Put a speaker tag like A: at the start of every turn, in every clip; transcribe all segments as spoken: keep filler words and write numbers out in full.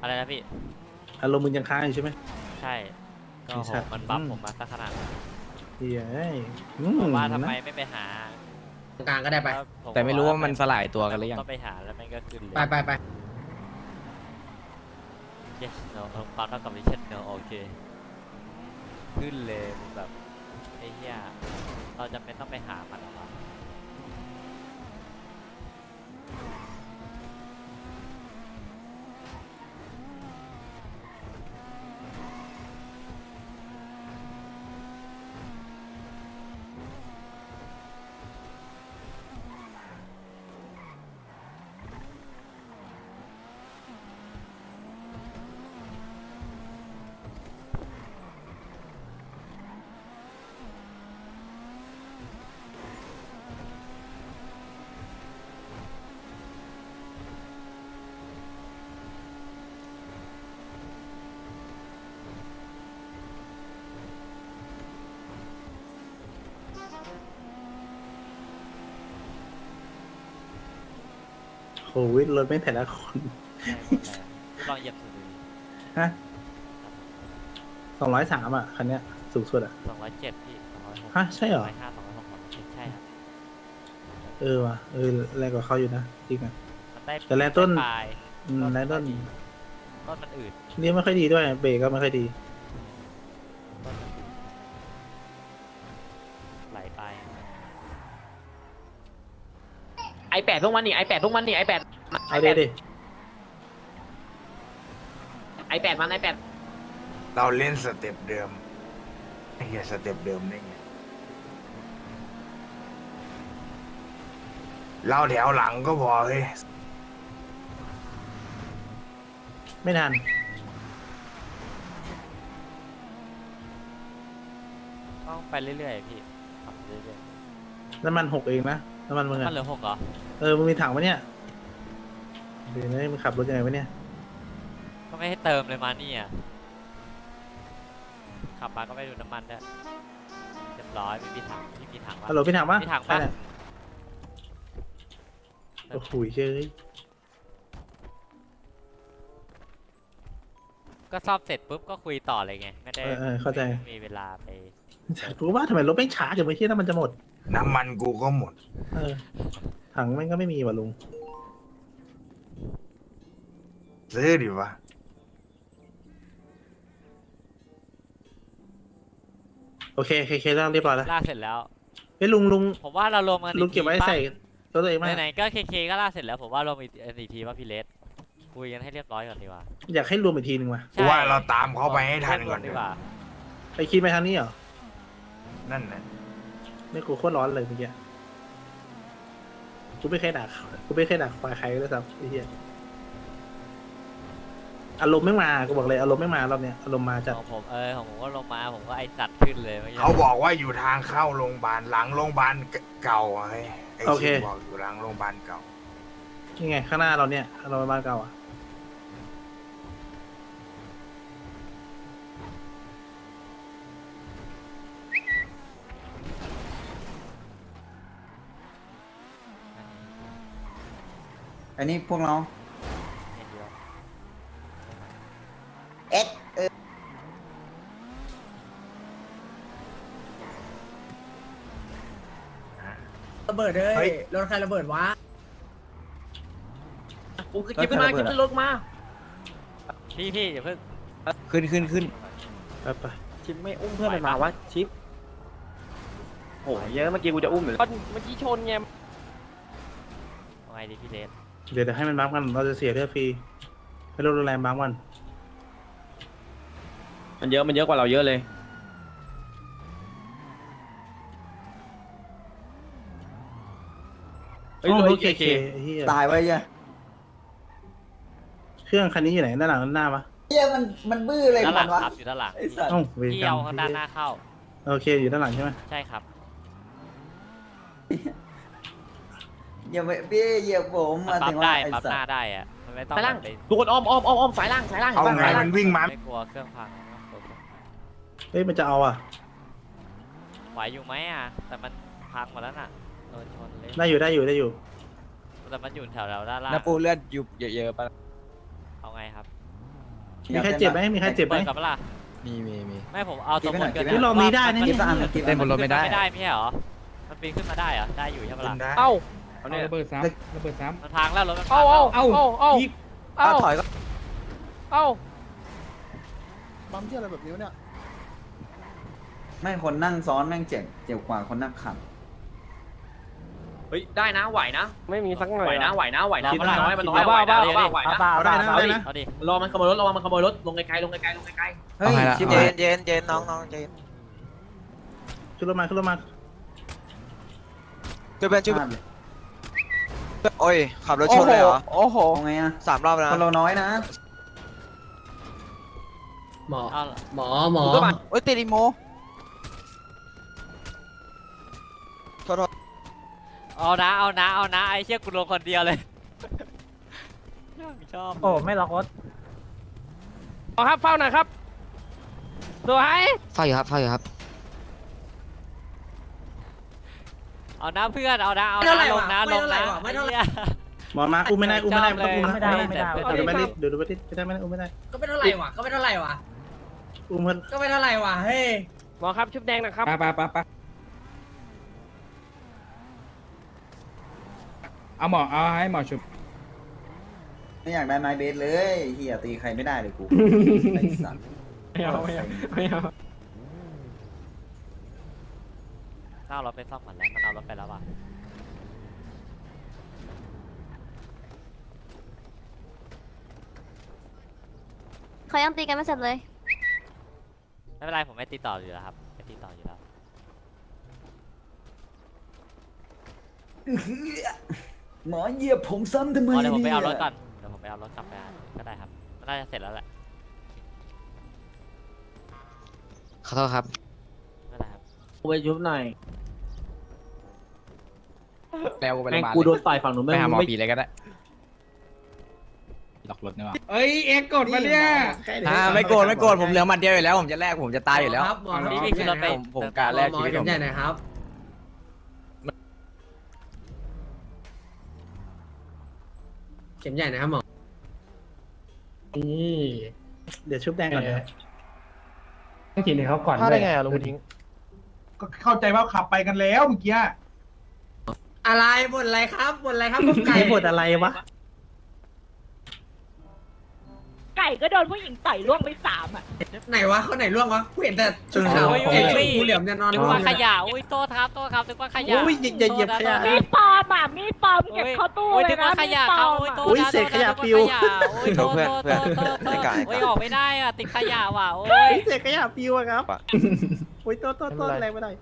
A: อะไรนะพี่
B: อารมณ์มึงยังค้างอยู่ใช่ไหม
A: ใช่ก็โหมันบัฟผมมาสักขนาดนั้น
B: เฮ้ย
A: บอกว่าทำไมไม่ไปหา
C: ตรงกลางก็ได้ไป
D: แต่ไม่รู้ว่ามันสลายตัวกันหรือยัง
A: ต้องไปหาแล้วมันก็ขึ้นเลย
C: ไปไปไป
A: yes no เออปั๊บเท่ากับ reset no โอเคขึ้นเลยแบบไอ้เหี้ยเราจำเป็นต้องไปหามันหรอวะ
B: โควิดรถไม่แต่ละคน
A: ลองเหยียบสุดดู
B: ฮะสองร้อยสามอ่ะคันเนี้ยสูงสุดอ่ะ
A: สองร้อยเจ็ดพี่สองร้อยหก
B: ฮะใช่เหรอ
A: สองร้อยห้าสองร้อยหกสองร้อยเจ็ดใช่ครับ
B: เออว่ะเออแรงกว่าเขาอยู่นะจริงอ่ะ
A: มันได้
B: แต่แรงต้น
A: ได้ปลาย
B: อืมแรงต้น
A: ต้นมันอืด
B: เลี้ยวไม่ค่อยดีด้วยเบรกก็ไม่ค่อยดี
A: ต้นมันอืดไหลไป
C: ไอแปดพวกมันนี่ไอแปดพวกมันนี่ไอแปด
B: เอาดิดิ
C: ไอแปดมันไอแปด
E: เราเล่นสเต็ปเดิมไอ้เหี้ยสเต็ปเดิมได้ไงเราแถวหลังก็พอเฮ้ย
B: ไม่ทัน
A: ต้องไปเรื่อยๆพี่ขับเรื่อย
B: น้ำมันหกเองนะน้ำมันมึง
A: ๆ
B: อ่ะ
A: มันเหลือหกเหรอ
B: เออมึงมีถังปะเนี่ยเดี๋ยวนะมึงขับรถยังไงวะเนี่ย
A: ก็ไม่ให้เติมเลยมานี่อ่ะขับมาก็ไม่ดูน้ำมันด้วยเรียบร้อยไม่มีถังไม่มีถังวะ
B: ฮัลโหลพี่ถังปะ
A: มีถัง
B: ใคร
A: ปะ
B: เนี่ยโอ้โหเฮ้ย
A: ก็ซ่อมเสร็จปุ๊บก็คุยต่อเลยไงไม่ได้
B: เออเออเข้าใจ
A: ไม่มีเวลาไป
B: กูว่าทำไมรถไม่ช้าจังเมื่อกี้น้ำมันจะหมด
E: น้ำมันกูก็หมด
B: เออถังมันก็ไม่มีว่ะลุง
E: ซื้อดิวะ
B: โอเคโอเคโอเคแล้วเรียบร้อยแล้ว
A: ลากเสร็จแล้ว
B: เฮ้ยลุงลุง
A: ผมว่าเรารวมกัน
B: ลุงเก็บไว้ใส่รถตัวเองไหม
A: ไหนๆก็เคเคก็ลากเสร็จแล้วผมว่ารวมอีกอีกทีว่าพี่เลสคุยกันให้เรียบร้อยก่อนดีกว่า
B: อยากให้รวมอีกทีหนึ่งว่ะ
E: กูว่าเราตามเขาไปให้ทันก่อน
A: ดี
E: ดี
A: ก
E: ก
A: ว่า
E: ว่า
B: ไปคิดไปทางนี้เหรอ
E: นั่นน่ะ
B: ไม่กูโคตรร้อนเลยเมื่อกี้กูไม่เคยด่าเขากูไม่เคยด่าควายใครเลยซ้ำไอ้เหี้ยอารมณ์ไม่มากูบอกเลยอารมณ์ไม่มารอบเนี้ยอารมณ์มาจัด
A: ของผมเออของผมก็ลงมาผมก็ไอสัตว์ขึ้นเลยมื่กี้
E: เขาบอกว่าอยู่ทางเข้าโรงพยาบาลหลังโรงพยาบาลเก่าอะเฮ้ยไอ้ชิบบอกอยู่หลังโรงพยาบาลเก่า
B: นี่ไงข้างหน้าเราเนี่ยเราไปบ้านเก่าอ่ะ
F: อันนี้พวกเรา
A: เห็นเดียว
F: เอ็กเออ
C: ระเบิดเลย
E: เฮ้ย
C: รถใครระเบิดวะกูคือกิ๊บขึ้นมากิ๊บขึ้นรถมา
A: พี่พี่อย่าเพิ่ง
D: ขึ้นขึ้นขึ้น
B: ไปไป
G: ชิปไม่อุ้มเพื่อนมันมาวะชิปโหเยอะเมื่อกี้กูจะอุ้มอยู่แล้วเมื่อกี้ชนไง
A: เอาไงดีพี่เลส
B: เดี๋ยวเดี๋ยวให้มันบัฟกันเราจะเสียเลือดฟรีให้รถโรงแรมบัฟกัน
G: มันเยอะมันเยอะกว่าเราเยอะเลย
B: เฮ้ยรถเคเคไอ้เหี้ย
F: ตายไว้ยัง
B: เครื่องคันนี้อยู่ไหนด้านหลังด้านหน้าวะ
F: เฮียมันมันบื้ออะไร
A: ด้านห
F: มั
A: ลั
F: น
A: ง
F: วะ
A: ครับอยู่ด้านหลัง
F: ไอ้สัตว์
B: เอ้าเวร
A: พี่
B: กรร
A: เอา
B: ม
A: ข้างด้านหน้าเข้า
B: โอเคอยู่ด้านหลังใช่ไหม
A: ใช่ครับ
F: อย่าไปพี่เหยียบผม
A: มัน
F: มา
A: ปั๊
F: ถึ
A: บ
F: ง
A: ได้
F: ว่าไอ้
A: ปั๊บ
F: สั
A: ห
F: ต
A: น้า
F: ว์
A: ได้อะมันไม่ต้อง
G: สายล่าง
A: แบบไป
G: ทุกคนอ้อมอ้อมอ้อมอ้อมสายล่างสายล่าง
E: เอาไง
G: สายล่าง
E: มันวิ่งมา
A: ไม่กลัวเครื่องพังไม่ต้องกลัว
B: เฮ้ยมันจะเอาอ่ะ
A: ไหวอยู่ไหมอ่ะแต่มันพังหมดแล้วน่ะโดนชนเลย
B: ได้อยู่ได้อยู่ได้อยู่
A: แต่มันอยู่แถวเราด้านล่าง
D: น้าปูเลือดยุบเยอะๆปะ
A: เอาไงครับ
B: มีใครเจ็บไหมมีใครเจ็บไหม
A: ปิดกับเปะล่า
D: มีมีมี
A: ไม่ผมเอาตรงบนเกิน
B: นี่ลองนี้ได้นะ
F: กิ
B: นี่
F: ฟต์อันกิฟต์
D: เล่
F: อั
D: น
F: น
D: บนรถไม่ได้
A: ไม่ได้ไม่ใช่เหรอมันปีนขึ้นมาได้เหรอได้อยู่ใช่ปะ
E: ขึ้
A: ล่ะ
E: นได้
G: เอ้า
H: เอาระเบิดซ้ำระเบิดซ้
A: มันพังแล้วรถมันพั
G: เอ้าง
A: แล้ว
G: เอ้าเอ้าเอ้า
H: ำอีก
G: เอ้า
F: ถอยก็
G: เอ้า
I: ปั๊มที่อะไรแบบนี้เนี่ย
F: ไม่คนนั่งซ้อนแม่งเจ็บเจ็บกว่าคนนั่งขับ
C: เฮ้ยได้นะไหวนะ
G: ไม่มีสักหน่อย
C: ไหวนะไหวนะไหวนะ
A: คิด
C: มัน
A: ว่า
C: น้อยมันน้อย
G: เอา
C: ไหว
G: บ้า
C: นะ
G: บ้า
C: ไหวนะ
B: เอาได้นะเอาได้นะ
A: เอาดิ
C: รอมันขโมยรถรอมันขโมยรถลงไกลๆลงไกลๆลงไกล
F: เฮ้ย
D: เอาไงล่ะ
F: ชิบ
D: เอา
F: หา
D: ไง
F: ย
J: เย็นเย็นน้องน้องเย็น
B: ขึ้นรถมาขึ้นรถมา
J: ช่วยเพื่อนช่วย
F: พลาดเลย
J: โอ้ยขับรถชนเลยเหรอ
G: โอ้โห
F: เอาไงอะ
J: สามรอบแล้ว
F: คน
J: นะ
F: เราน้อยนะ
C: หมอ
A: เอา
C: หมอหมอ
G: โอ้ยติดอีโม
J: โทษโทษ
A: เอานะเอานะเอานะไอ้เชี่ยกูลงคนเดียวเลยชอบ
B: โอ้ไม่ล็อกรถ
G: เอาครับเฝ้าหน่อยครับสวย
J: เฝ้าอยู่ครับเฝ้าอยู่ครับ
A: เอานะเพื่อนเอานะเอานะลงนะลงนะไอ้เหี้ย
B: หมอมาอุ้มไม่ได้อุ้มไม่ได้ต้องอุ้มนะ
A: ไม่ได้ไม่ได้
B: เดี๋ยวไม่ได้เดี๋ยวไม่ได้ไม่ได้ไม่ได้อุ้มไม่ได้
C: ก็ไม่เท่าไหร่วะก็ไม่เท่าไหร่วะ
B: อุ้มเพื่อน
C: ก็ไม่เท่าไหร่วะเฮ้ย
G: หมอครับชุบแดงนะครับ
H: ไปไปไปไปเอาหมอเอาให้หมอชุบ
F: ไม่อยากได้ไม้เบสเลยเฮียตีใครไม่ได้เลยกูไอ้สัตว์
H: ไม่เอาไม่เอาไม่เอา
A: ถ้าเอารถไปซ่อมก่อนแล้วมันเอารถไปแล้วว่ะ
K: เขายังตีกันไม่เสร็จเลย
A: ไม่เป็นไรผมไม่ตีต่ออยู่แล้วครับไม่ตีต่ออยู่แล้ว
F: หมอเหยียบผมซ้ำทำไม
A: อ๋อเดี๋ยวผมไป
F: เนี่ย
A: เอารถก่อนเดี๋ยวผมไปเอารถกลับไปก็ได้ครับมันน่าจะเสร็จแล้วแหละ
J: ขอโทษครับ
A: ไม่เป็นไรครับ
C: กูไปชุบหน่อย
D: แล้วกูไปโร
C: แม่
D: ง
C: ง
D: พยาบาล
C: กูโดนต่อยฝั่งนู้น
D: ไป
C: แม่ง
D: หาหมอ
C: ไม่
D: ผีเลยก็ได้ล็อกรถนี่หว่า
H: เอ้ยเอ็กกดมาเนี่ย
D: อ่าไม่โกรธไม่โกรธผมเหลือหมัดเดียวอยู่แล้วผมจะแลกผมจะตายอยู่แล้ว
C: ครับหมอ
H: เอาเหรอ
A: นี่พี่ขึ้นรถไป
D: ผมผมกะแลก
C: หมอ
D: ชีวิต
C: เข็
D: ผม ม
C: ใหญ่หน่อยครับเข็มใหญ่นะครับหมอนี่
B: เดี๋ยวชุบแดงก่อนเดี๋ยว
H: ต้องกินให้เขาก่อน
G: ถ้าได้ไงอะลุงทิ้ง
H: ก็เข้าใจว่าขับไปกันแล้วเมื่อกี้
C: อะไรบ่นอะไรครับบ่นอะไรครับผมไก่
B: ไก่บทอะไรวะ
K: ไก่ก็โดนผู้หญิงต่อยล่วงไปสามอ่ะ
C: ไหนวะเขาไหนล่วงวะกูเห็นแต่ชุดขาว
A: โอ้ย
C: เห็นชุด
A: โอ้ย
C: งูเหลี่ยมเนี่ยนอน
A: นึกว่าขยะอุ้ยโทษครับโทษครับนึกว่าขยะ
B: โอ้ยอย่าอย่าเหยียบขยะ
K: มีดปลอมอ่ะมีดปลอมเก็บเข้าตู้
A: โอ้ย
K: เล
A: นึ
K: ย
A: ก
K: นะ
A: ว่าข
K: มีด
A: ยะ
K: ปล
A: ครั
K: อบ ม
A: โอ้ย
K: อะ
A: โทษ
B: อุ้ย
A: นะ
B: เศษขยะ
A: โทษนะ
B: ปิว
A: โอ้ยโทษโทษโทษโทษโทษ
J: ไม่ไกล
A: โอ้ยออกไม่ได้อะติดขยะว่ะโอ้ย
B: เฮ้ยเศษขยะปิวอะครับโอ้ยโต้นโต้นโต้นแรงไม่ได้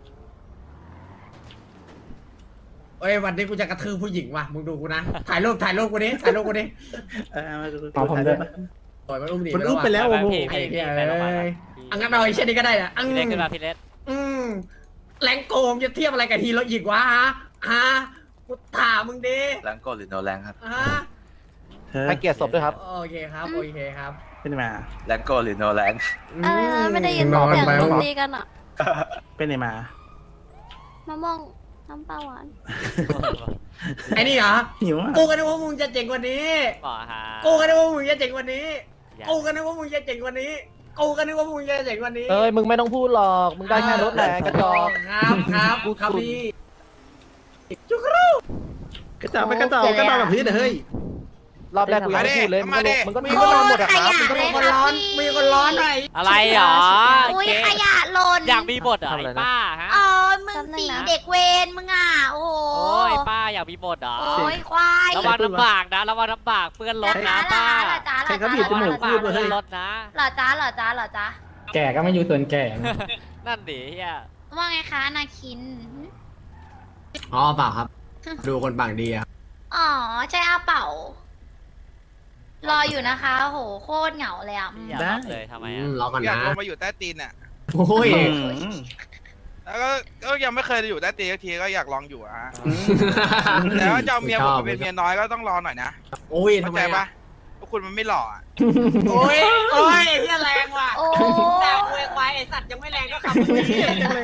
C: เอ้ยวันนี้กูจะกระทืบผู้หญิงว่ะมึงดูกูนะถ่ายรูปถ่ายรูปกูนี้ถ่ายรูปกูนี้
B: เออมาดู
H: เอาผมด้วย
C: ปล่อยมันอุ้มหนี
B: มันอุ้มไปแล้วโอ้โห
A: พี่
C: ไอ้
A: พี่
C: เหี้
A: พี่
C: ย
A: ไปโรงพยาบาล
C: เอ้ย
A: พี่
C: อังกันเอาไอ้เช่นนี้ก็ได้อะอัง
A: พี่เล็กขึ้นมาพี่เล็ก
C: อืมแรงโกมจะเทียบอะไรกับฮีโร่อีกวะฮะฮะกูถามมึงดิ
J: แรงกดหรือโนแรงครับ
C: ฮะ
B: เธอ
G: ให้เกียรติศพด้วยครับ
C: โอเคครับโอเคครับ
B: เป็นไงมา
J: แรงกดหรือโนแรง
K: อะไรนะไม่ได้ยิน
C: นอน
K: เสียง
C: ไป
K: ดนตรีกันอ่ะ
B: เป็นไงมาม
K: ะม่วงน้ำปลาหวาน
C: ไอ้นี่เหรอ
B: หิวอ่ะ
C: กูก็นึกว่ามึงจะเจ๋งกว่านี้
A: หมอฮะ
C: กูก็นึกว่ามึงจะเจ๋งกว่านี้
A: อย่า
C: กูก็นึกว่ามึงจะเจ๋งกว่านี้ กูก็นึกว่ามึงจะเจ๋งกว่านี้
G: เอ้ยมึงไม่ต้องพูดหรอกมึงได้แค่รถแหละกระจอก
C: ครับครับกูครับพี่
B: กระจอกไปกระจอกกระจอกกับพื้นเฮ้ย
G: รอบแรกกูยังไม่พูดเลยมึงก็ลงมึงก็
C: มี
G: มึง
C: ค
G: ก็
C: น
G: นอนหมดอะครับ
C: มีคนร้อนมีคนร้อนหน่อย
A: อะไรเหรอ
K: อุ้ย
A: เจ๊
K: ขยะหล่น
A: อยากมีบทเหรอไอ้ป้าฮะ
K: อ๋อมึงสีเด็กเวรมึงอ่ะโอ้โห
A: โอ้ยป้าอยากมีบทเหรอ
K: โอ้ยควาย
A: ระวังลำบากนะระวังลำบากเปื้อนรถนะป้า
K: เหรอจ้าเหร
B: ใคร
K: อ
B: เขา
K: จ้า
B: บีบจมูก
A: ลำบา
B: พู
A: ก
B: ดเลย
A: เปื้อนรถนะ
K: เหรอจ้าเหรอจ้าเหรอจ้า
H: แก่ก็ไม่อยู่ส่วนแก่นะ
A: นั่นดิเฮีย
K: ว่าไงคะนาคิน
C: อ๋อเปล่าครับ ดูคนปากดีอะ
K: อ๋อใช่อาเป่า รออยู่นะคะโหโคตรเหงาเลยอ่ะ
A: อยากรับเลยทำไม
C: อื
A: อ่ะ
C: มรอก่อน
E: อยาก
C: นะ
E: ลงมาอยู่ใต้ตีนเนี่ย
C: โอ้ย
E: แล้วก็ก็ยังไม่เคยอยู่ใต้ตีนสักทีก็อยากลองอยู่อะฮะแต่ว่าจะเอาเมียผมมาเป็นเมียน้อยก็ต้องรอหน่อยนะ
C: โอ้ย
E: เข้า
C: ทำไม
E: ใจ
C: อะ
E: ปะพวกคุณมันไม่หล่ออะ
C: โอ้ยโอ้ยเฮียแรงว่ะ
K: โอ้
C: แต่กูเองควายไอสัตว์ยังไม่แรงก็ขับมึงนี่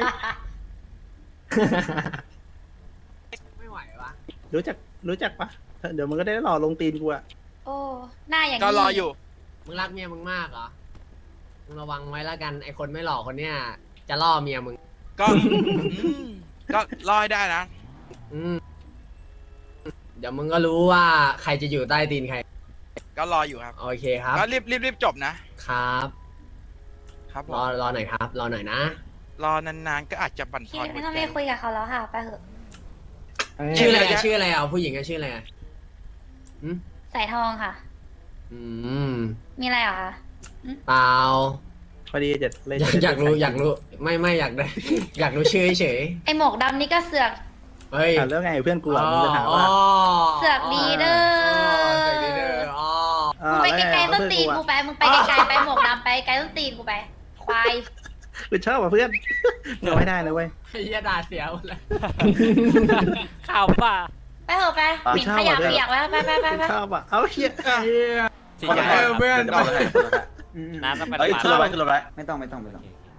C: ไม่ไหววะ
B: รู้จักรู้จักปะเดี๋ยวมันก็ได้หล่อลงตีนกูอะ
K: โอ้หน้าอย่างนี้
E: ก็รออยู่
C: มึงรักเมียมึงมากเหรอมึงระวังไว้แล้วกันไอคนไม่หล่อคนเนี้ยจะล่อเมียมึง
E: ก็อืมก็รอให้ได้นะ
C: อืมเดี๋ยวมึงก็รู้ว่าใครจะอยู่ใต้ตีนใคร
E: ก็รออยู่ครับ
C: โอเคครับ
E: ก็รีบรีบรีบจบนะครับ ครับผ
C: รอ
E: ม
C: รอหน่อยครับ รอหน่อยนะ
E: รอนานๆก็อาจจะบั่นท
K: พี่
E: อนหั
K: ไม่
E: ว
K: ต้อง
E: ใจ
K: ไปคุยกับเขาแล้วค่ะ ไปเถอะ
C: ชื่ออะไรอะชื่ออะไรอ่ะผู้หญิงอะชื่ออะไรอะอืม
K: สายทองค่ะ
C: อืม
K: มีอะไรเหรอคะ
C: เปล่า
B: พอดีจะเลย
C: อยากอยากรู้อยากรู้ไม่ไม่อยากได้ อยากรู้ชื่อเฉย
K: ไอหมวกดำนี่ก็เสือก
C: เฮ้ย
B: อ่ะแล้วไงเพื่อนกูอ่ะมึงจะถามว่า
K: เสือกดีเด้อ
C: เสือกดีเด้ออ๋อ
B: อ่ะ
K: มึงไป
B: แล้ว
K: ไกล
B: ง
K: ๆต้น
B: เพื่อ
K: ตีน
B: อ่ะ
K: กูไป มึงไปไกลๆไปหมวกดำไปไกลต้นตีนกูไป ควาย
B: กูชอบอ่ะเพื่อนเราไม่ได้นะเว้ย
C: ไอ้เหี้ยด่าเสียหมดเลย
A: ข่าวป่ะ
K: ไปเถอะไปหมิ่นขยะเปียกแล้วไปไปไป
B: กู
K: ไป
B: ชอบอ่ะเอาเฮีย
A: สี
F: คน
A: ใหญ่
F: ละ
A: ครับ
F: เพื่อน
A: น้ำต้องไป
J: เอ้ย
A: ปาด
J: ขึ้นรถไปขึ้นรถไป
F: ไม่ต้องไม่ต้องไม่ต้อง
A: โอเค